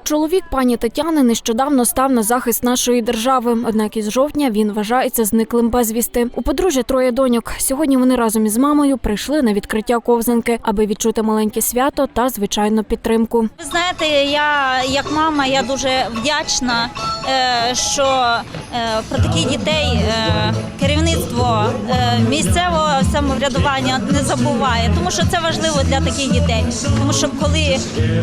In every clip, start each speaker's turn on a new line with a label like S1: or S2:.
S1: Чоловік пані Тетяни нещодавно став на захист нашої держави, однак із жовтня він вважається зниклим безвісти. У подружжя 3 доньок. Сьогодні вони разом із мамою прийшли на відкриття ковзанки, аби відчути маленьке свято та, звичайно, підтримку.
S2: Ви знаєте, я як мама, я дуже вдячна, що про таких дітей керівництво місцевого самоврядування не забуває, тому що це важливо для таких дітей. Тому що коли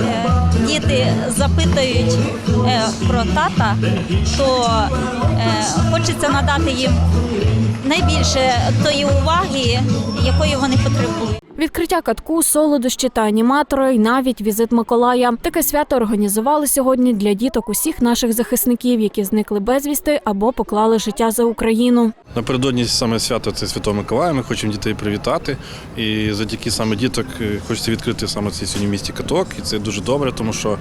S2: діти запитують про тата, то хочеться надати їм найбільше тої уваги, якої вони потребують.
S1: Відкриття катку, солодощі та аніматори, і навіть візит Миколая. Таке свято організували сьогодні для діток усіх наших захисників, які зникли безвісти або поклали життя за Україну.
S3: Напередодні саме свято – це Святого Миколая. Ми хочемо дітей привітати. І завдяки саме діток хочеться відкрити саме цей сьогодні в місті каток. І це дуже добре, тому що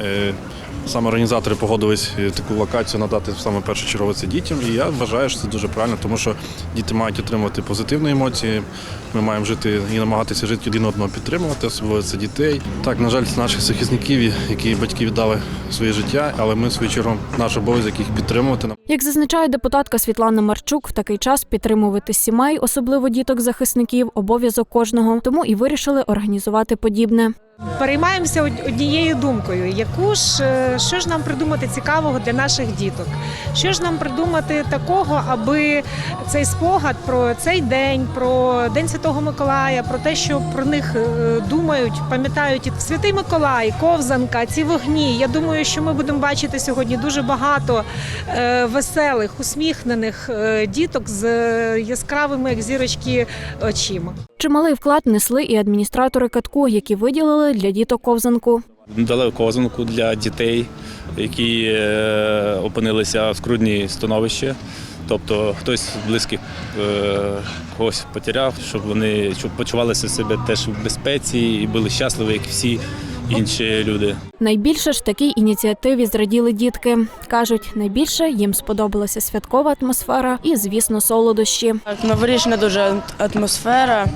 S3: саме організатори погодились таку локацію надати саме першочергово це дітям. І я вважаю, що це дуже правильно, тому що діти мають отримувати позитивні емоції. Ми маємо жити і намагатися жити один одного підтримувати, особливо це дітей. Так, на жаль, це наших захисників, які батьки віддали своє життя, але ми, в свою чергу, наш обов'язок їх підтримувати.
S1: Як зазначає депутатка Світлана Марчук, в такий час підтримувати сімей, особливо діток-захисників, обов'язок кожного. Тому і вирішили організувати подібне.
S4: Переймаємося однією думкою, що ж нам придумати цікавого для наших діток, що ж нам придумати такого, аби цей спогад про цей день, про День Святого Миколая, про те, що про них думають, пам'ятають Святий Миколай, ковзанка, ці вогні. Я думаю, що ми будемо бачити сьогодні дуже багато веселих, усміхнених діток з яскравими, як зірочки, очима.
S1: Чималий вклад несли і адміністратори катку, які виділили для діток ковзанку.
S5: Дали ковзанку для дітей, які опинилися в скрутній становищі. Тобто хтось з близьких когось потеряв, щоб вони почувалися себе теж в безпеці і були щасливі, як всі інші люди.
S1: Найбільше ж такій ініціативі зраділи дітки. Кажуть, найбільше їм сподобалася святкова атмосфера і, звісно, солодощі.
S6: Новорічна дуже атмосфера,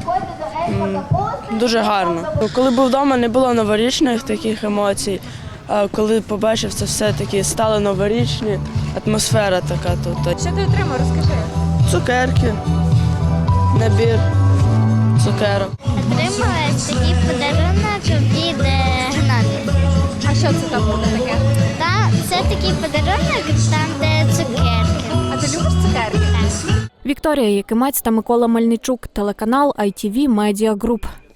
S6: дуже гарно. Коли був вдома, не було новорічних таких емоцій, а коли побачив це все, таки стали новорічні, атмосфера така тут.
S7: Що ти отримав, розкажи.
S6: Цукерки, набір цукерок.
S8: Отримала такий подарунок від Гнати.
S7: А що це там буде таке?
S8: Це такий подарунок, там де цукерки.
S7: А ти любиш цукерки?
S1: Вікторія Якимець та Микола Мельничук, телеканал ITV Media Group.